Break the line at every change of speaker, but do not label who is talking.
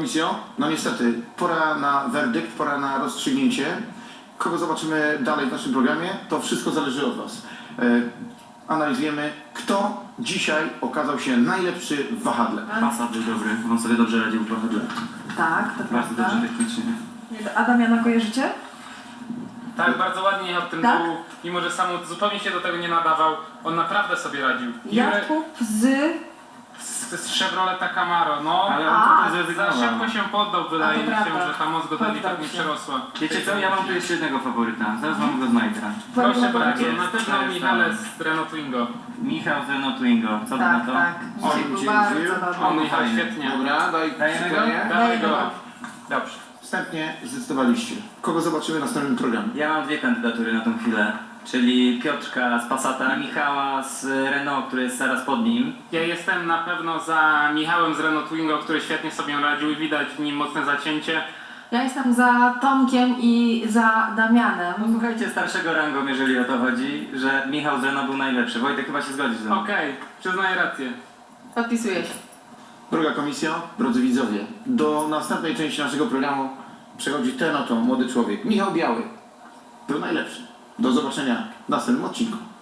komisjo, no niestety, pora na werdykt, pora na rozstrzygnięcie. Kogo zobaczymy dalej w naszym programie, to wszystko zależy od Was. Analizujemy, kto dzisiaj okazał się najlepszy w wahadle.
Passat był dobry, on sobie dobrze radził w wahadle.
Tak, to
Bardzo
prawda.
dobrze technicznie.
Adamiana kojarzycie?
Tak, bardzo ładnie jechał ten
Tak?
dół, mimo że sam zupełnie się do tego nie nadawał. On naprawdę sobie radził.
Jakub
Z Chevroleta Camaro, no.
Ale
A,
on to
Za
zrezygnował.
szybko się poddał, wydaje mi się,
prawda.
że ta moc go delikatnie
Poddał się.
przerosła.
Wiecie co, ja mam tu jeszcze jednego faworyta. Zaraz wam go znajdę.
Proszę
Powiem
bardzo,
wam,
na pewno
to jest
Michale
on.
z Renault Twingo.
Michał z Renault Twingo. Co ty na
Tak,
to?
tak. Dzisiaj
On
był
cię
bardzo
wziął.
dobry.
On
no
jechał
fajnie.
świetnie.
Dobra, daj
Dajemy go?
przykleję.
Dawaj go.
go.
Dobrze.
Wstępnie zdecydowaliście. Kogo zobaczymy w następnym programie?
Ja mam dwie kandydatury na tą chwilę. Czyli Piotrka z Passata, Michała z Renault, który jest zaraz pod nim.
Ja jestem na pewno za Michałem z Renault Twingo, który świetnie sobie radził i widać w nim mocne zacięcie.
Ja jestem za Tomkiem i za Damianem.
No słuchajcie, starszego rangą, jeżeli o to chodzi, że Michał z Renault był najlepszy. Wojtek chyba się zgodzi ze mną.
Okej, przyznaję rację.
Podpisuję się.
Droga komisjo, drodzy widzowie, do następnej części naszego programu przechodzi ten oto młody człowiek, Michał Biały. Był najlepszy. Do zobaczenia w następnym odcinku.